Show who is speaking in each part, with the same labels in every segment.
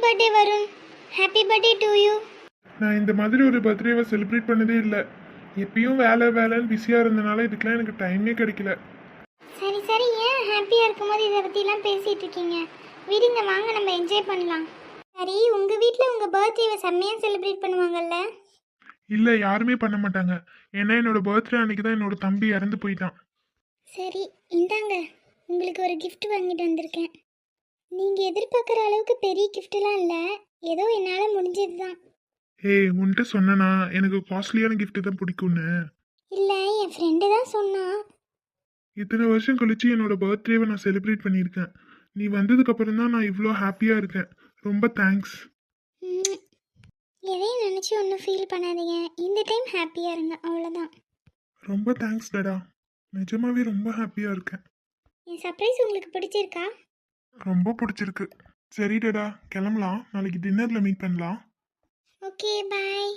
Speaker 1: Birthday Varun. Happy birthday to you.
Speaker 2: நான் இந்த மாதிரி ஒரு பர்த்டேவை செலிப்ரேட் பண்ணதே இல்லை. எப்பயும் வேலைன்னு பிஸியாக இருந்தனால இதுக்கெலாம் எனக்கு டைமே கிடைக்கல.
Speaker 1: சரி சரி, ஏன் ஹாப்பியாக இருக்கும்போது இதை பற்றிலாம் பேசிகிட்டு இருக்கீங்க? விடுங்க, வாங்க நம்ம என்ஜாய் பண்ணலாம். சரி, உங்கள் வீட்டில் உங்கள் பர்த்டேவை செம்மையாக செலிப்ரேட் பண்ணுவாங்கல்ல?
Speaker 2: இல்லை, யாருமே பண்ண மாட்டாங்க. ஏன்னா என்னோட பர்த்டே அன்னைக்கு தான் என்னோட தம்பி இறந்து போயிட்டான்.
Speaker 1: சரி, இந்தாங்க, உங்களுக்கு ஒரு gift வாங்கிட்டு வந்திருக்கேன். நீங்கள் எதிர்பார்க்குற அளவுக்கு பெரிய கிஃப்டெல்லாம் இல்லை, ஏதோ என்னால் முடிஞ்சது தான்.
Speaker 2: ஏய், உன்கிட்ட சொன்னனா எனக்கு காஸ்ட்லியான gift தான் பிடிக்கும்னு?
Speaker 1: இல்லை, என் ஃப்ரெண்டு தான் சொன்னான்.
Speaker 2: இத்தனை வருஷம் கழிச்சு என்னோட பர்த்டேவை நான் செலிப்ரேட் பண்ணியிருக்கேன். நீ வந்ததுக்கு அப்புறம் தான் நான் இவ்வளோ ஹாப்பியாக இருக்கேன். ரொம்ப தேங்க்ஸ்.
Speaker 1: ம், எதையும் நினச்சி ஒன்றும் ஃபீல் பண்ணாதீங்க. இந்த டைம் ஹாப்பியாக இருங்க, அவ்வளோதான்.
Speaker 2: ரொம்ப தேங்க்ஸ் டடா. நிஜமாவே ரொம்ப ஹாப்பியாக இருக்கேன்.
Speaker 1: என் சர்ப்ரைஸ் உங்களுக்கு பிடிச்சிருக்கா?
Speaker 2: ரொம்ப பிடிச்சிருக்கு. சரி டடா, கிளம்பலாம். நாளைக்கு டின்னரில் மீட் பண்ணலாம்.
Speaker 1: ஓகே, பாய்.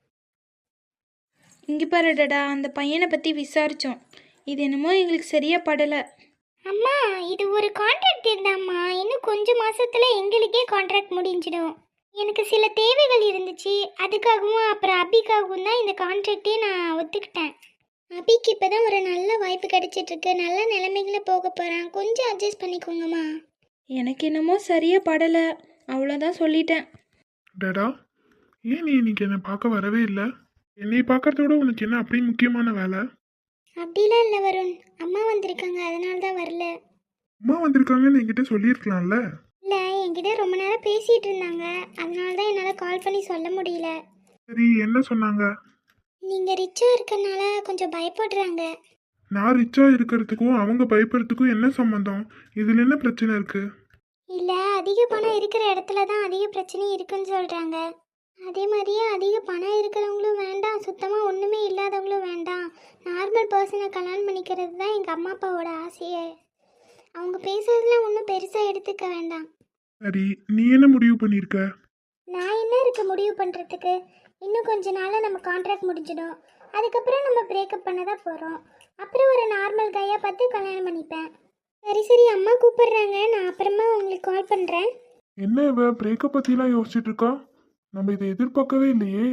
Speaker 3: இங்கே பாருடா, அந்த பையனை பற்றி விசாரித்தோம். இது என்னமோ எங்களுக்கு சரியாக படலை.
Speaker 1: அம்மா, இது ஒரு கான்ட்ராக்ட் இருந்தாம்மா. இன்னும் கொஞ்சம் மாசத்துல எங்களுக்கே கான்ட்ராக்ட் முடிஞ்சிடும். எனக்கு சில தேவைகள் இருந்துச்சு, அதுக்காகவும் அப்புறம் அபிக்காகவும் தான் இந்த கான்ட்ராக்டே நான் ஒத்துக்கிட்டேன். அபிக்கு இப்போதான் ஒரு நல்ல வாய்ப்பு கிடைச்சிட்டு இருக்கு, நல்ல நிலைமைகளை போக போகிறான். கொஞ்சம் அட்ஜஸ்ட் பண்ணிக்கோங்கம்மா.
Speaker 3: எனக்கு என்னமோ சரியாக படலை, அவ்வளோதான் சொல்லிட்டேன்.
Speaker 2: டடா, ஏன் நீ இன்னைக்கு என்னை பார்க்க வரவே இல்லை? என்னை பார்க்கறதோட உனக்கு என்ன அப்படி முக்கியமான வேலை?
Speaker 1: அப்படிலாம் இல்லை வருண், அம்மா வந்திருக்காங்க, அதனால தான் வரல.
Speaker 2: அம்மா வந்திருக்காங்கன்னு என்கிட்ட சொல்லியிருக்கலாம்ல.
Speaker 1: இல்லை, என்கிட்ட ரொம்ப நேரம் பேசிகிட்டு இருந்தாங்க, அதனால தான் என்னால் கால் பண்ணி சொல்ல முடியல.
Speaker 2: சரி, என்ன சொன்னாங்க?
Speaker 1: நீங்கள் ரிச்சாக இருக்கறனால கொஞ்சம் பயப்படுறாங்க.
Speaker 2: நான் ரிச்சா இருக்கிறதுக்கும் அவங்க பயப்படுறதுக்கும் என்ன சம்மந்தம்? இதில் என்ன பிரச்சனை இருக்கு?
Speaker 1: இல்லை, அதிக பணம் இருக்கிற இடத்துல தான் அதிக பிரச்சனை இருக்குன்னு சொல்கிறாங்க. அதே மாதிரியே அதிக பணம் இருக்கிறவங்களும் வேண்டாம், சுத்தமாக ஒன்றுமே இல்லாதவங்களும் வேண்டாம், நார்மல் பர்சனை கல்யாணம் பண்ணிக்கிறது தான் எங்கள் அம்மா அப்பாவோட ஆசையே. அவங்க பேசுறதுல ஒன்றும் பெருசாக எடுத்துக்க வேண்டாம்.
Speaker 2: சரி, நீ என்ன முடிவு பண்ணியிருக்க?
Speaker 1: நான் என்ன இருக்க முடிவு பண்ணுறதுக்கு? இன்னும் கொஞ்ச நாளில் நம்ம கான்ட்ராக்ட் முடிஞ்சிடும். அதுக்கப்புறம் நம்ம பிரேக்கப் பண்ண தான் போகிறோம். அப்புறம் ஒரு நார்மல் கையாக பார்த்து கல்யாணம் பண்ணிப்பேன். சரி சரி, அம்மா கூப்பிடுறாங்க, நான் அப்புறமா உங்களுக்கு கால் பண்ணுறேன்.
Speaker 2: என்ன இவ பிரேக்கப் பற்றிலாம் யோசிச்சுட்டு இருக்கா? நம்ம இதை எதிர்பார்க்கவே இல்லையே.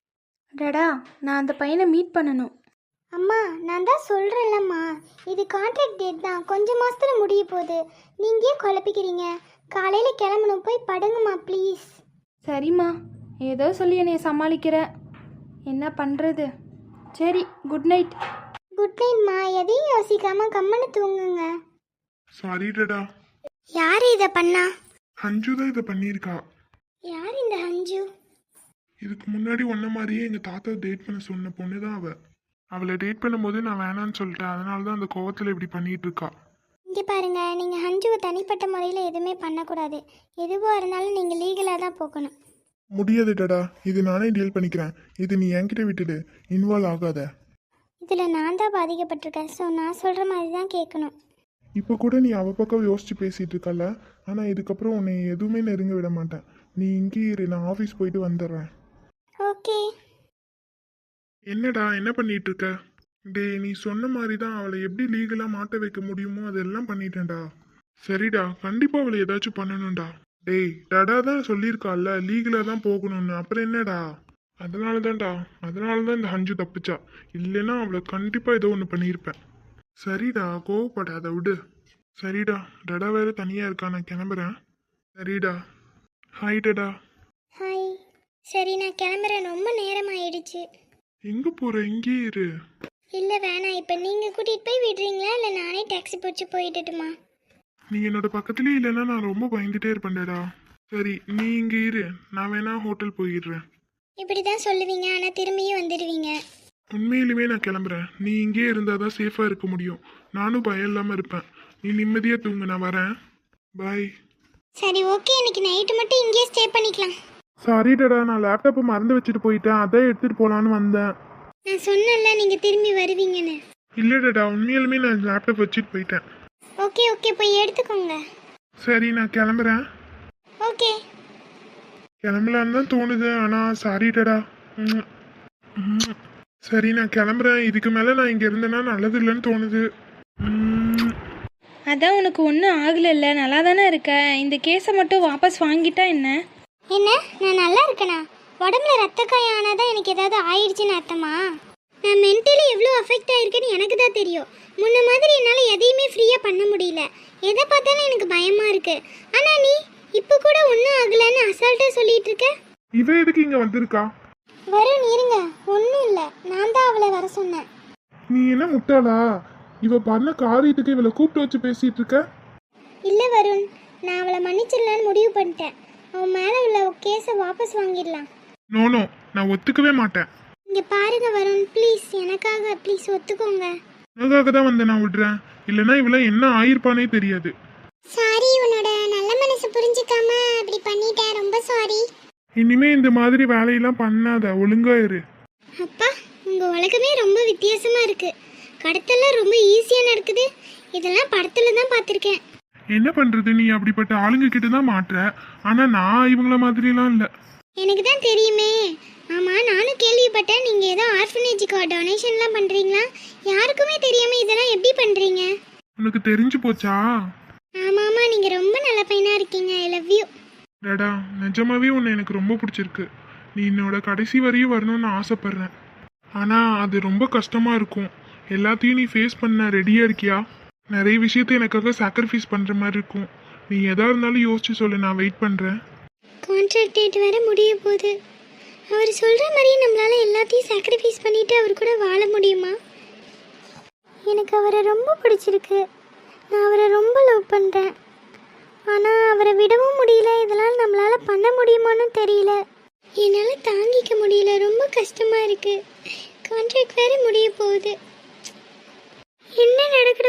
Speaker 3: டடா, நான் அந்த பையனை மீட் பண்ணணும்.
Speaker 1: அம்மா, நான் தான் சொல்கிறேன்லம்மா, இது கான்ட்ராக்ட் டேட் தான், கொஞ்சம் மாதத்தில் முடிய போகுது. நீங்கள் ஏன் குழப்பிக்கிறீங்க? காலையில் கிளம்பணும், போய் படுங்கம்மா ப்ளீஸ்.
Speaker 3: சரிம்மா, ஏதோ சொல்லி என்னை சமாளிக்கிற. என்ன பண்ணுறது? சரி, குட் நைட்.
Speaker 1: குட் நைட்மா. எதையும் யோசிக்காமல் கம்மனு தூங்குங்க.
Speaker 2: சாரி டடா.
Speaker 1: யார் இதை பண்ணா?
Speaker 2: ஹஞ்சு தான் இதை பண்ணியிருக்கா.
Speaker 1: யார் இந்த ஹஞ்சு?
Speaker 2: இதுக்கு முன்னாடி ஒன்ன மாதிரியே எங்கள் தாத்தா டேட் பண்ண சொன்ன பொண்ணு தான் அவளை டேட் பண்ணும்போது நான் வேணான்னு சொல்லிட்டேன். அதனால தான் அந்த கோவத்தில் இப்படி பண்ணிட்டு இருக்கா.
Speaker 1: இங்கே பாருங்க, நீங்கள் ஹஞ்சுவை தனிப்பட்ட முறையில் எதுவுமே பண்ணக்கூடாது. எதுவாக இருந்தாலும் நீங்கள் லீகலாக தான் போகணும்.
Speaker 2: முடியாது டடா, இது நானே டீல் பண்ணிக்கிறேன். இது நீ என்கிட்ட விட்டுடு, இன்வால்வ் ஆகாத.
Speaker 1: இதில் நான் தான் பாதிக்கப்பட்டிருக்கேன், ஸோ நான் சொல்கிற மாதிரி தான் கேட்கணும்.
Speaker 2: இப்போ கூட நீ அவ பக்கம் யோசிச்சு பேசிட்டு இருக்கல. ஆனால் இதுக்கப்புறம் உன்னை எதுவுமே நெருங்க விட மாட்டேன். நீ இங்கேயே இரு, நான் ஆஃபீஸ் போயிட்டு வந்துடுறேன்.
Speaker 1: ஓகே.
Speaker 2: என்னடா என்ன பண்ணிட்டு இருக்க? டேய், நீ சொன்ன மாதிரி தான் அவளை எப்படி லீகலாக மாட்ட வைக்க முடியுமோ அதெல்லாம் பண்ணிட்டேன்டா. சரிடா, கண்டிப்பாக அவளை ஏதாச்சும் பண்ணணும்டா. டேய், டடா தான் சொல்லியிருக்கால லீகலாக தான் போகணும்னு, அப்புறம் என்னடா? அதனால தான் இந்த ஹஞ்சு தப்பிச்சா. இல்லைன்னா அவளை கண்டிப்பாக ஏதோ ஒன்று பண்ணியிருப்பேன். சரிடா, கோவப்படாத, விடு. சரிடா, டடா வேற தனியாக இருக்கா, நான் கிளம்புறேன். சரிடா, ஹாய் டடா.
Speaker 1: ஹாய். சரி, நான் கிளம்புறேன், ரொம்ப நேரம் ஆயிடுச்சு.
Speaker 2: எங்கே போகிற? இங்கே இரு.
Speaker 1: இல்லை வேணாம், இப்போ நீங்கள் கூட்டிகிட்டு போய் விடுறீங்களா இல்லை நானே டாக்ஸி பிடிச்சி போயிட்டுமா?
Speaker 2: நீ என்னோட பக்கத்துலேயே இல்லைன்னா நான் ரொம்ப பயந்துட்டே இருப்பேன்டா. சரி, நீ இங்கே இரு, நான் வேணா ஹோட்டல் போயிடுறேன்.
Speaker 1: இப்படி தான் சொல்லுவீங்க, ஆனால் திரும்பியும் வந்துடுவீங்க.
Speaker 2: உண்மையிலுமே நான் கிளம்புறேன். நீ இங்கே இருந்தால் தான் சேஃபாக இருக்க முடியும். நானும் பயம் இல்லாமல் இருப்பேன். நீ நிம்மதியாக தூங்கு, நான் வரேன். பாய்.
Speaker 1: சரி ஓகே, இன்னைக்கு நைட்டு மட்டும் இங்கேயே ஸ்டே பண்ணிக்கலாம்.
Speaker 2: சாரி டடா, நான் லேப்டாப்பை மறந்து வச்சுட்டு போயிட்டேன். அதான் எடுத்துகிட்டு போகலான்னு வந்தேன்.
Speaker 1: நான் சொன்னேன்ல நீங்கள் திரும்பி வருவீங்கன்னு.
Speaker 2: இல்லை டடா, உண்மையிலுமே நான் லேப்டாப் வச்சுட்டு போயிட்டேன்.
Speaker 1: ஓகே ஓகே, போய் எடுத்துக்கோங்க.
Speaker 2: சரி, நான் கிளம்புறேன்.
Speaker 1: ஓகே.
Speaker 2: கிளம்பலான்னு தான் தோணுது, ஆனால் சாரி டடா. ம். ம். சரி, நான் கிளம்புறேன். இதுக்கு மேலே நான் இங்கே இருந்தேன்னா நல்லது இல்லைன்னு தோணுது.
Speaker 3: அதான் உனக்கு ஒன்றும் ஆகலைல்ல, நல்லா தானே இருக்க. இந்த கேஸை மட்டும் வாபஸ் வாங்கிட்டா என்ன?
Speaker 1: என்ன நான் நல்லா இருக்கேனா? உடம்புல ரத்த காயம் ஆனாதான் எனக்கு ஏதாவது ஆயிடுச்சுன்னு அர்த்தமா? நான் மென்டலி எவ்வளோ அஃபெக்ட் ஆயிருக்கேன்னு எனக்கு தான் தெரியும். முன்ன மாதிரி என்னால் எதையுமே ஃப்ரீயாக பண்ண முடியல. எதை பார்த்தாலும் எனக்கு பயமாக இருக்கு. ஆனால் நீ இப்போ கூட ஒன்றும் ஆகலைன்னு அசால்ட்டாக சொல்லிட்டு இருக்க.
Speaker 2: இவ எதுக்கு இங்க வந்திருக்கா?
Speaker 1: வருண் இருங்க, ஒன்றும் இல்லை, நான் தான் அவளை வர சொன்னேன்.
Speaker 2: நீ என்ன முட்டாளா? இவ பண்ண காரியத்துக்கு இவளை கூப்பிட்டு வச்சு பேசிட்டு இருக்க?
Speaker 1: இல்லை வருண், நான் அவளை மன்னிச்சிடலான்னு முடிவு பண்ணிட்டேன். அவன் மேலே உள்ள கேஸை வாபஸ் வாங்கிடலாம்.
Speaker 2: நோ நான் ஒத்துக்கவே மாட்டேன்.
Speaker 1: இங்கே பாருங்க வருண், ப்ளீஸ் எனக்காக ப்ளீஸ் ஒத்துக்கோங்க.
Speaker 2: உனக்காக தான் வந்து நான் விடுறேன். இல்லைன்னா இவள என்ன ஆயிருப்பானே தெரியாது.
Speaker 1: சாரி, உன்னோட நல்ல மனசு புரிஞ்சுக்காம அப்படி பண்ணிட்டேன், ரொம்ப சாரி.
Speaker 2: இனிமே இந்த மாதிரி வேலையெல்லாம் பண்ணாத, ஒழுங்கா இரு.
Speaker 1: அப்பா, உங்கள் உலகமே ரொம்ப வித்தியாசமாக இருக்குது. கடத்தெல்லாம் ரொம்ப ஈஸியாக நடக்குது. இதெல்லாம் படத்தில் தான் பார்த்துருக்கேன்.
Speaker 2: என்ன பண்றது, நீ அப்படிப்பட்ட ஆளுங்க கிட்ட தான் மாட்டுற. ஆனா நான் இவங்கள மாதிரிலாம் இல்ல.
Speaker 1: எனக்கு தான் தெரியுமே. ஆமாம், நானும் கேள்விப்பட்டேன் நீங்கள் ஏதோ ஆர்ஃபனேஜுக்கு டொனேஷன்லாம் பண்ணுறீங்களா? யாருக்குமே தெரியாமல் இதெல்லாம் எப்படி பண்ணுறீங்க?
Speaker 2: உனக்கு தெரிஞ்சு போச்சா?
Speaker 1: ஆமாம், நீங்கள் ரொம்ப நல்ல பையனாக இருக்கீங்க. I love you.
Speaker 2: டடா, நிஜமாவே உன்னை எனக்கு ரொம்ப பிடிச்சிருக்கு. நீ என்னோட கடைசி வரையும் வரணும்னு ஆசைப்படுறேன். ஆனா அது ரொம்ப கஷ்டமா இருக்கும். எல்லாத்தையும் நீ ஃபேஸ் பண்ண ரெடியா இருக்கியா? நிறைய விஷயத்த எனக்காக சாக்ரிஃபைஸ் பண்ற மாதிரி இருக்கும். நீ எதா இருந்தாலும் யோசிச்சு சொல்லு, நான் வெயிட் பண்றேன்.
Speaker 1: கான்ட்ராக்ட் டேட் வேற முடிய போகுது. அவர் சொல்கிற மாதிரி நம்மளால் எல்லாத்தையும் சாக்ரிஃபைஸ் பண்ணிவிட்டு அவர் கூட வாழ முடியுமா? எனக்கு அவரை ரொம்ப பிடிச்சிருக்கு. நான் அவரை ரொம்ப லவ் பண்ணுறேன். ஆனால் அவரை விடவும் முடியல. இதெல்லாம் நம்மளால் பண்ண முடியுமான்னு தெரியல. என்னால் தாங்கிக்க முடியல, ரொம்ப கஷ்டமாக இருக்குது. கான்ட்ராக்ட் வேறு முடிய போகுது. என்ன நடக்குது?